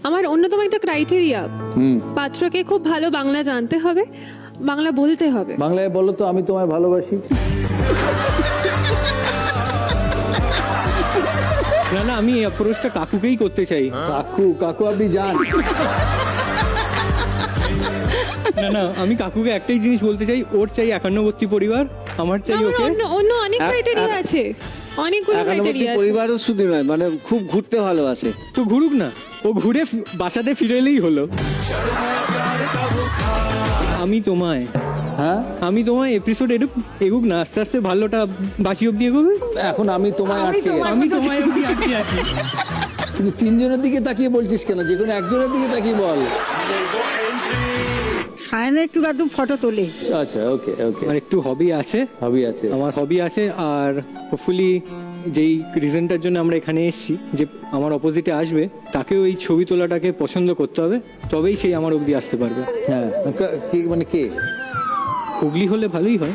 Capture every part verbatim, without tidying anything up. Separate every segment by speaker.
Speaker 1: আমার অন্যতম একটা ক্রাইটেরিয়া, পাত্রকে খুব ভালো বাংলা জানতে হবে, বাংলা বলতে হবে।
Speaker 2: বাংলায় বলো তো আমি তোমায় ভালোবাসি।
Speaker 3: না না, আমি অ্যাপ্রোচটা কাকুকেই করতে চাই।
Speaker 2: কাকু কাকু আপনি যান।
Speaker 3: না না, আমি কাকুকে একটাই জিনিস বলতে চাই, ওর চাই একান্নবর্তী পরিবার, আমার চাই
Speaker 1: আমার
Speaker 3: ওকে।
Speaker 1: অন্য অন্য অনেক ক্রাইটেরিয়া আছে, অনেকগুলো
Speaker 4: একান্নবর্তী
Speaker 1: ক্রাইটেরিয়া আছে।
Speaker 4: পরিবারও শুধু নয়, মানে খুব ঘুরতে ভালোবাসে।
Speaker 3: তো ঘুরুক না, ও ঘুরে ফি- বাসাতে ফিরে এলেই হলো। আমি তোমায়
Speaker 2: হ্যাঁ
Speaker 3: আমি তোমায় এপিসোড এডুক এগুক না, আস্তে আস্তে ভালোটা বাসি অব্দি এগোবে।
Speaker 2: এখন আমি তোমায় আটকে গেছি।
Speaker 3: আমি তোমায় অব্দি আটকে আছি।
Speaker 2: কিন্তু তিনজনের দিকে তাকিয়ে বলছিস কেন? যে কোনো একজনের দিকে তাকিয়ে বল।
Speaker 5: সায়না একটু আধটু ফটো তোলে।
Speaker 2: আচ্ছা ওকে ওকে,
Speaker 3: আমার একটু হবি আছে,
Speaker 2: হবি আছে।
Speaker 3: আমার হবি আছে, আর হোপফুলি যেই রিজনটার জন্য আমরা এখানে এসেছি, যে আমার অপোজিটে আসবে তাকে ওই ছবি তোলাটাকে পছন্দ করতে হবে, তবেই সেই আমার অবধি আসতে পারবে।
Speaker 2: হ্যাঁ কা- কে মানে কে?
Speaker 3: হুগলি হলে ভালোই হয়।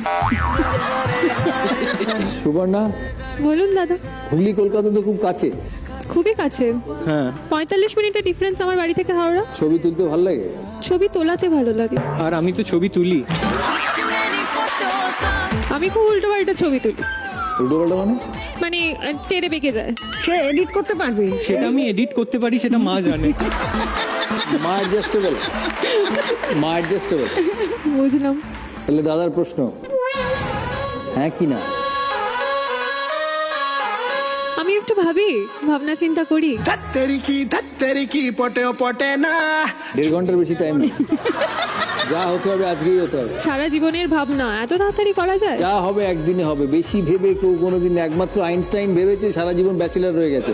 Speaker 2: সুবর্ণা,
Speaker 1: বলুন দাদা।
Speaker 2: হুগলি কলকাতা তো খুব কাছে,
Speaker 1: খুবই কাছে,
Speaker 3: হ্যাঁ,
Speaker 1: পঁয়তাল্লিশ মিনিটের ডিফারেন্স আমার বাড়ি থেকে হাওড়া।
Speaker 2: ছবি তুলতে ভালো লাগে।
Speaker 1: ছবি তোলাতে ভালো লাগে।
Speaker 3: আর আমি তো ছবি তুলি।
Speaker 1: আমি খুব উল্টো পাল্টা ছবি তুলি,
Speaker 2: উল্টো পাল্টা মানে?
Speaker 1: মানে আহ, টেরে বেঁকে যায়।
Speaker 5: সে এডিট করতে পারবে।
Speaker 3: সেটা আমি এডিট করতে পারি, সেটা মা জানে।
Speaker 2: মা অ্যাডজাস্টেবল, মা অ্যাডজাস্টেবল।
Speaker 1: বুঝলাম।
Speaker 2: তাহলে দাদার প্রশ্ন, হ্যাঁ কি না?
Speaker 1: আমি একটু ভাবি, ভাবনা চিন্তা করি।
Speaker 6: धत्तेरी की धत्तेरी की पटे पटे ना
Speaker 2: দেড় ঘন্টার বেশি টাইম নেই, যা হতে হবে আজকেই হতে হবে।
Speaker 1: সারা জীবনের ভাবনা এত তাড়াতাড়ি করা যায়?
Speaker 2: যা হবে একদিনে হবে, বেশি ভেবে কেউ কোনোদিন, একমাত্র আইনস্টাইন ভেবেছে সারা জীবন ব্যাচেলার রয়ে গেছে।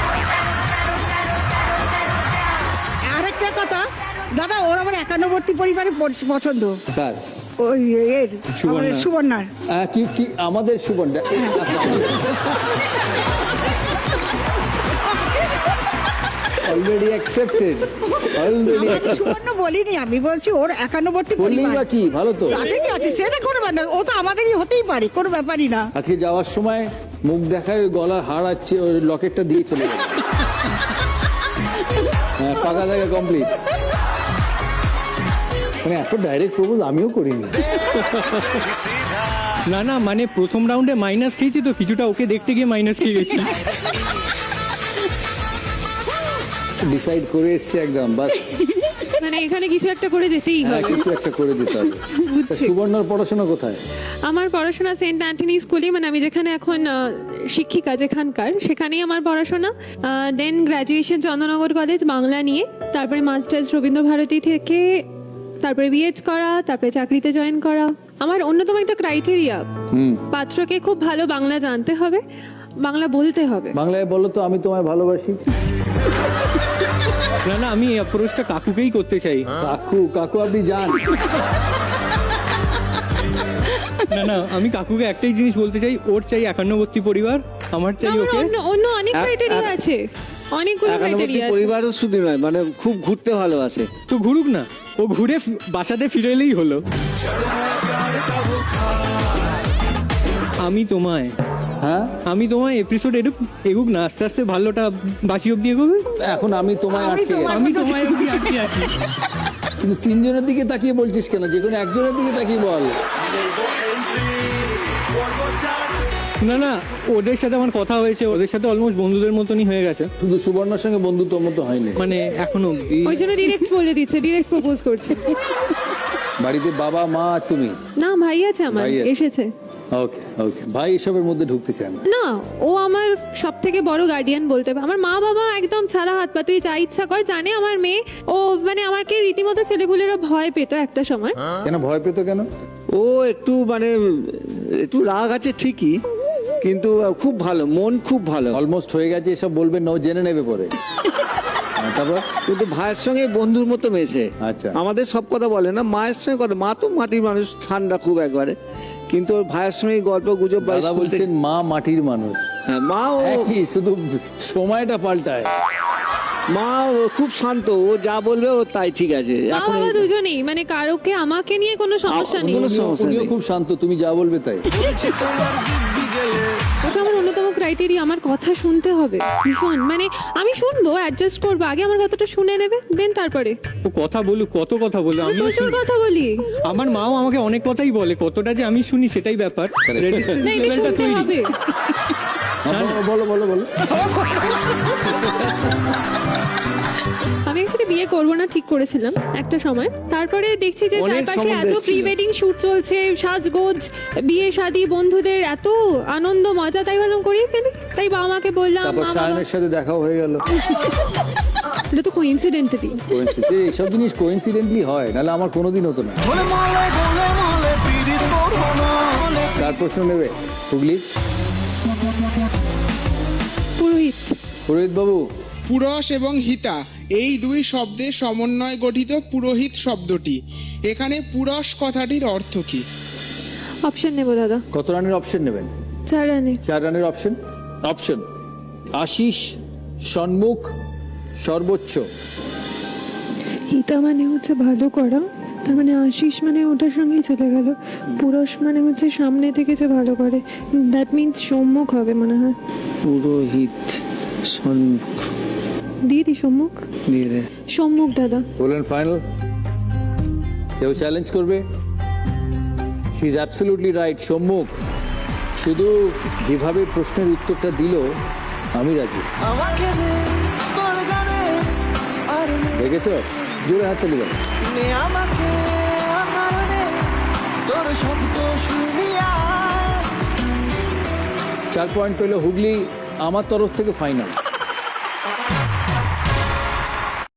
Speaker 5: আরেকটা কথা, দাদা ওর আবার একান্নবর্তী পরিবারে পছ- পছন্দ।
Speaker 2: কার?
Speaker 5: ওই এর
Speaker 3: সুবর্ণা।
Speaker 5: আমাদের সুবর্ণার।
Speaker 2: আহ, কি কি আমাদের সুবর্ণ অলরেডি অ্যাকসেপ্টেড, অলরেডি
Speaker 5: আমাদের সুবর্ণ বলিনি, আমি বলছি ওর একান্নবর্তী
Speaker 2: বললেই বা
Speaker 5: পরিবার
Speaker 2: কি, ভালো তো।
Speaker 5: আছে কি আছে সেটা কোনো ব্যাপার না, ও তো আমাদেরই হতেই পারে, কোনো ব্যাপারই না।
Speaker 2: আজকে যাওয়ার সময় মুখ দেখায় ওই গলার হাড় আছে, ওই লকেটটা দিয়ে চলে গেল। হ্যাঁ, পাকা দেখা কমপ্লিট। মানে এত ডাইরেক্ট প্রপোজ আমিও করিনি।
Speaker 3: না না, মানে প্রথম রাউন্ডে মাইনাস খেয়েছি তো, কিছুটা ওকে দেখতে গিয়ে মাইনাস খেয়ে গেছি।
Speaker 2: ডিসাইড করে এসছে একদম, বাস
Speaker 1: মানে এখানে কিছু একটা করে যেতেই
Speaker 2: হ্যাঁ,
Speaker 1: হবে।
Speaker 2: কিছু একটা করে যেতে হবে। তা সুবর্ণার পড়াশোনা কোথায়?
Speaker 1: আমার পড়াশোনা সেন্ট অ্যান্টনি স্কুলে, মানে আমি যেখানে এখন আহ, শিক্ষিকা যেখানকার, সেখানেই আমার পড়াশোনা। Then graduation Chandannagar college Bangla নিয়ে, তারপরে মাস্টার্স রবীন্দ্রভারতী থেকে, তারপরে বিএড করা, তারপরে চাকরিতে জয়েন করা। আমার অন্যতম একটা ক্রাইটেরিয়া, পাত্রকে খুব ভালো বাংলা জানতে হবে, বাংলা বলতে হবে।
Speaker 2: বাংলায় বলো তো আমি তোমায় ভালোবাসি।
Speaker 3: না না, আমি অ্যাপ্রোচটা কাকুকেই করতে চাই।
Speaker 2: কাকু কাকু আপনি যান।
Speaker 3: না না, আমি কাকুকে একটাই জিনিস বলতে চাই, ওর চাই একান্নবর্তী পরিবার, আমার চাই
Speaker 1: আমার
Speaker 3: ওকে।
Speaker 1: অন্য অন্য অনেক
Speaker 4: এক-
Speaker 1: ক্রাইটেরিয়া
Speaker 4: এক-
Speaker 1: আছে, অনেকগুলো
Speaker 4: একান্নবর্তী
Speaker 1: ক্রাইটেরিয়া আছে।
Speaker 4: পরিবারও শুধু নয়, মানে খুব ঘুরতে ভালোবাসে।
Speaker 3: তো ঘুরুক না, ও ঘুরে ফি- বাসাতে ফিরে এলেই হলো। আমি তোমায়
Speaker 2: হ্যাঁ,
Speaker 3: আমি তোমায় এপিসোড এডুক এগুক না, আস্তে আস্তে ভালোটা বাসি অব্দি এগোবে।
Speaker 2: এখন আমি তোমায় আটকে গেছি।
Speaker 3: আমি তোমায় অব্দি আটকে আছি।
Speaker 2: কিন্তু তিনজনের দিকে তাকিয়ে বলছিস কেন? যে কোনো একজনের দিকে তাকিয়ে বল।
Speaker 3: না না, ওদের সাথে আমার কথা হয়েছে, ওদের সাথে অলমোস্ট বন্ধুদের মতনই হয়ে গেছে,
Speaker 2: শুধু সুবর্ণার সঙ্গে বন্ধুত্ব মতো হয়নি।
Speaker 3: মানে এখনো অব্দি।
Speaker 1: ওই জন্য ডিরেক্ট বলে দিচ্ছে, ডিরেক্ট প্রপোজ করছে।
Speaker 2: বাড়িতে বাবা মা আর তুমি?
Speaker 1: না, ভাই আছে আমার,
Speaker 2: ভাই আছে।
Speaker 1: এসেছে।
Speaker 2: ওকে ওকে, ভাই এসবের মধ্যে ঢুকতে চান না।
Speaker 1: না, ও আমার সব থেকে বড় গার্ডিয়ান বলতে পারে। আমার মা বাবা একদম ছাড়া হাত পা, তুই যা ইচ্ছা কর। জানে আমার মেয়ে, ও মানে আমাকে রীতিমতো ছেলেপুলেরা ভয় পেত একটা সময়।
Speaker 2: কেন ভয় পেতো কেন?
Speaker 4: ও একটু মানে একটু রাগ আছে ঠিকই, কিন্তু খুব ভালো, মন খুব ভালো।
Speaker 2: অলমোস্ট হয়ে গেছে, এসব বলবেন না, ও জেনে নেবে পরে। হ্যাঁ, তারপর
Speaker 4: কিন্তু ভাইয়ের সঙ্গে বন্ধুর মতো মেশে।
Speaker 2: আচ্ছা।
Speaker 4: আমাদের সব কথা বলে না, মায়ের সঙ্গে কথা, মা তো মাটির মানুষ, ঠান্ডা খুব একবারে, কিন্তু ওর ভাইয়ের সঙ্গে গল্প গুজব বা
Speaker 2: দাদা
Speaker 4: স্কুল থেকে-
Speaker 2: বলছেন মা মাটির মানুষ।
Speaker 4: হ্যাঁ, মা ও
Speaker 2: একই, শুধু সময়টা পাল্টায়।
Speaker 4: মা ও খুব শান্ত, ও যা বলবে ও তাই ঠিক আছে।
Speaker 1: মা
Speaker 4: এখন
Speaker 1: বাবা দুজনেই, মানে কারোকে আমাকে নিয়ে কোনো সমস্যা নেই।
Speaker 4: কোনো
Speaker 2: উনিও-
Speaker 4: সমস্যা
Speaker 2: উনিও
Speaker 4: নেই।
Speaker 2: খুব শান্ত, তুমি যা বলবে তাই।
Speaker 6: তোমার দিব্যি গেলে
Speaker 1: ওটা আমার অন্যতম ক্রাইটেরিয়া। আমার কথা শুনতে হবে ভীষণ, মানে আমি শুনবো, অ্যাডজাস্ট করবো, আগে আমার কথাটা শুনে নেবে, দেন তারপরে।
Speaker 3: ও কথা বলুক, কত কথা বলুক,
Speaker 1: আমি
Speaker 3: আমিও
Speaker 1: প্রচুর
Speaker 3: শুনি।
Speaker 1: কথা বলি।
Speaker 3: আমার মাও আমাকে অনেক কথাই বলে, কতটা যে আমি শুনি সেটাই ব্যাপার। Resistance
Speaker 1: না, এটা
Speaker 3: level টা
Speaker 1: শুনতে
Speaker 3: তৈরি।
Speaker 1: হবে।
Speaker 2: হ্যাঁ, বলো বলো বলো
Speaker 1: আমি অ্যাকচুয়ালি বিয়ে করবো না ঠিক করেছিলাম একটা সময়, তারপরে দেখছি যে
Speaker 4: অনেক
Speaker 1: চারপাশে
Speaker 4: সম্বন্ধ
Speaker 1: এত
Speaker 4: এসেছিল।
Speaker 1: প্রি ওয়েডিং শুট চলছে, সাজগোজ, বিয়ে শাদী, বন্ধুদের এত আনন্দ মজা, তাই ভাবলাম করিয়ে ফেলি। তাই বাবা মাকে বললাম,
Speaker 2: তারপর
Speaker 1: মা বাবা,
Speaker 2: সায়নের সাথে দেখাও হয়ে গেল।
Speaker 1: এটা তো কোইন্সিডেন্টালি।
Speaker 2: এইসব জিনিস কোইন্সিডেন্টলি হয়, নাহলে আমার কোনোদিন হতো না। তার প্রশ্ন নেবে হুগলি
Speaker 1: পুরোহিত।
Speaker 2: পুরোহিত বাবু,
Speaker 7: পুরস এবং হিতা এই দুই শব্দের সমন্বয়ে গঠিত পুরোহিত শব্দটি। এখানে পুরস কথাটির অর্থ কি?
Speaker 1: অপশন নেবো দাদা।
Speaker 2: কত রানের অপশন নেবেন?
Speaker 1: চার রানে।
Speaker 2: চার রানের অপশন। অপশন আশিস, সন্মুখ, সর্বোচ্চ।
Speaker 1: হিতা মানে হচ্ছে ভালো করা, তার মানে আশিস মানে ওটার সঙ্গেই চলে গেল। পুরুষ মানে হচ্ছে সামনে থেকে যে ভালো করে, দ্যাট মিনস সম্মুখ হবে মনে হয়।
Speaker 4: পুরোহিত সন্মুখ
Speaker 1: দিয়ে দি সম্মুখ।
Speaker 4: দিয়ে দে।
Speaker 1: সম্মুখ দাদা।
Speaker 2: বললেন ফাইনাল? কেউ চ্যালেঞ্জ করবে? শি ইজ অ্যাবসলিউটলি রাইট, সম্মুখ। শুধু যেভাবে প্রশ্নের উত্তরটা দিল আমি রাজি। দেখেছ, জোরে হাত তালি গেল। চার পয়েন্ট পেল হুগলি, আমার তরফ থেকে ফাইনাল।